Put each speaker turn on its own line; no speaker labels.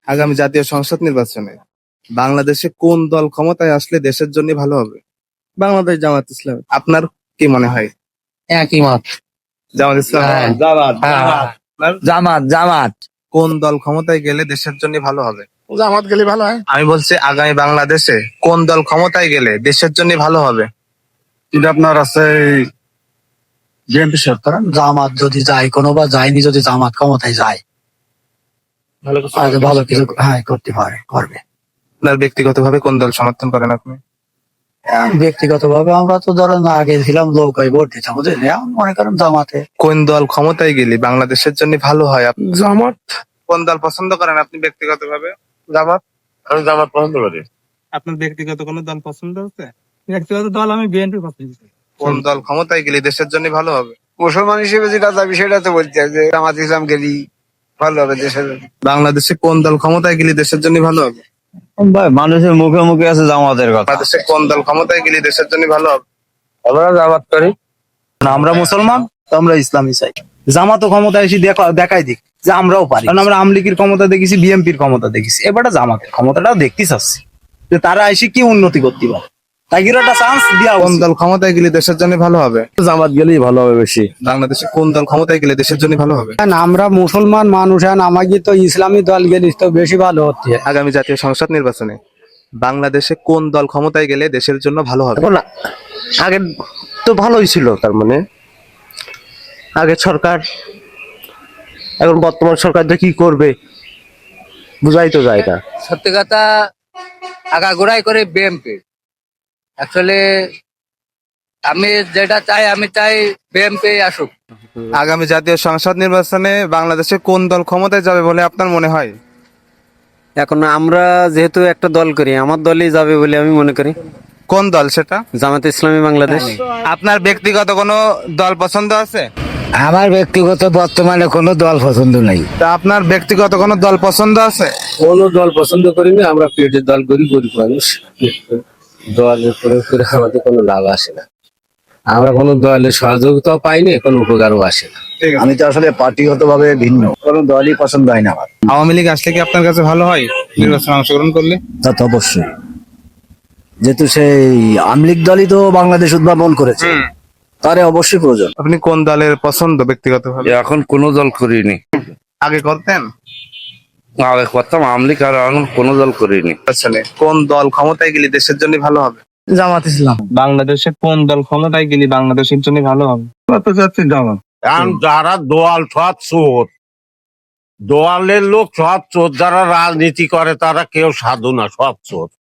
আগামী জাতীয় সংসদ নির্বাচনে বাংলাদেশে কোন দল ক্ষমতায় আসলে দেশের জন্য ভালো হবে?
বাংলাদেশ জামাত ইসলাম।
আপনার কি মনে হয়?
একই মত।
জামাত ইসলাম?
হ্যাঁ।
জামাত।
হ্যাঁ। জামাত জামাত
কোন দল ক্ষমতায় গেলে দেশের জন্য ভালো হবে?
জামাত গেলে ভালো হয়।
আমি বলছি আগামী বাংলাদেশে কোন দল ক্ষমতায় গেলে দেশের জন্য ভালো হবে?
এটা আপনার আছে বিএনপি সরকার। জামাত যদি যায় কোনো বা যায়নি, যদি জামাত ক্ষমতায় যায় ভালো কিছু করতে পারে, করবে।
আপনার ব্যক্তিগতভাবে কোন দল সমর্থন করেন আপনি?
ব্যক্তিগত ভাবে আমরা তো ধরেন আগে ছিলাম নৌকায় ভোট দিতাম, বুঝলেন? এখন মনে করেন জামাতে।
কোন দল ক্ষমতায় গেলে বাংলাদেশের জন্য ভালো হয়?
জামাত।
কোন দল পছন্দ করেন আপনি ব্যক্তিগতভাবে?
জামাত। আমি জামাত পছন্দ করি।
আপনার ব্যক্তিগত কোন দল পছন্দ আছে?
ব্যক্তিগত দল আমি বিএনপি পছন্দ করি।
কোন দল ক্ষমতায় গেলে দেশের জন্য ভালো হবে?
মুসলমান হিসেবে যেটা যাবি সেটা তো বলতে হয় যে জামাত ইসলাম গেলি ভালো হবে দেশের।
বাংলাদেশে কোন দল ক্ষমতায় গেলে দেশের জন্য ভালো হবে?
ভাই মানুষের মুখে মুখে আছে জামাতের কথা।
বাংলাদেশে কোন দল ক্ষমতায় গেলে দেশের জন্য ভালো হবে?
আমরা জামাত করি। আমরা মুসলমান, তো আমরা ইসলামই চাই। জামাতও ক্ষমতা এসে দেখাই দিক যে আমরাও পারি, কারণ আমরা আমলিগের ক্ষমতা দেখেছি, বিএনপির ক্ষমতা দেখেছি, এবারে জামাতের ক্ষমতাটাও দেখতে চাচ্ছি যে তারা এসে কি উন্নতি করতে পারে। তাই একটা চান্স দিয়া
কোন দল ক্ষমতায় গেলে দেশের জন্য ভালো হবে?
জামাত গেলেই ভালো হবে বেশি।
বাংলাদেশে কোন দল ক্ষমতায় গেলে দেশের জন্য ভালো হবে?
আমরা মুসলমান মানুষ, আমাকে তো ইসলামী দল গেলে তো বেশি ভালো হচ্ছে।
আগামী জাতীয় সংসদ নির্বাচনে বাংলাদেশে কোন দল ক্ষমতায় গেলে দেশের জন্য ভালো হবে?
এখন আগে তো ভালোই ছিল, তার মানে আগের সরকার, এখন বর্তমান সরকার যে কি করবে বুঝাই তো যায় না।
সত্যি কথা আগাগোড়াই করে বিএনপি। অ্যাকচুয়ালি আমি যেটা চাই, আমি চাই বিএনপি আসুক।
আগামী জাতীয় সংসদ নির্বাচনে বাংলাদেশে কোন দল ক্ষমতায় যাবে বলে আপনার মনে হয়?
এখন আমরা যেহেতু একটা দল করি, আমার দলই যাবে বলে আমি মনে করি।
কোন দল সেটা?
জামাতে ইসলামী বাংলাদেশ।
আপনার ব্যক্তিগত কোনো দল পছন্দ আছে?
আমার ব্যক্তিগত বর্তমানে কোনো দল পছন্দ নাই।
তা আপনার ব্যক্তিগত কোনো দল পছন্দ আছে?
কোনো দল পছন্দ করি না, আমরা পেটের দল করি, গরিব মানুষ। দলের প্রয়োগ করে আমাদের কোনো লাভ আসে না, আমরা কোনো দলের সহযোগিতাও পাইনি, কোনো উপকারও আসে না।
আমি তো আসলে পার্টিগত ভাবে ভিন্ন, কোনো দলই পছন্দ হয় না আমার।
আওয়ামী লীগ আসলে কি আপনার কাছে ভালো হয় নির্বাচনে অংশগ্রহণ করলে?
তা তো অবশ্যই, যেহেতু সেই আমলিগ দলই তো বাংলাদেশ উদ্ভাবন করেছে, তারে অবশ্যই প্রয়োজন।
আপনি কোন দলের পছন্দ ব্যক্তিগতভাবে?
এখন কোনো দল করিনি,
আগে করতেন?
আগে করতাম আমলিক, আর এখন কোনো দল করিনি।
আসলে কোন দল ক্ষমতায় গেলে দেশের জন্য ভালো হবে?
জামাত ইসলাম।
বাংলাদেশে কোন দল ক্ষমতায় গেলে বাংলাদেশের জন্য ভালো হবে?
কারণ যারা দোয়াল সৎ চোর, দোয়ালের লোক সৎ চোর, যারা রাজনীতি করে তারা কেউ সাধু না, সৎ চোর।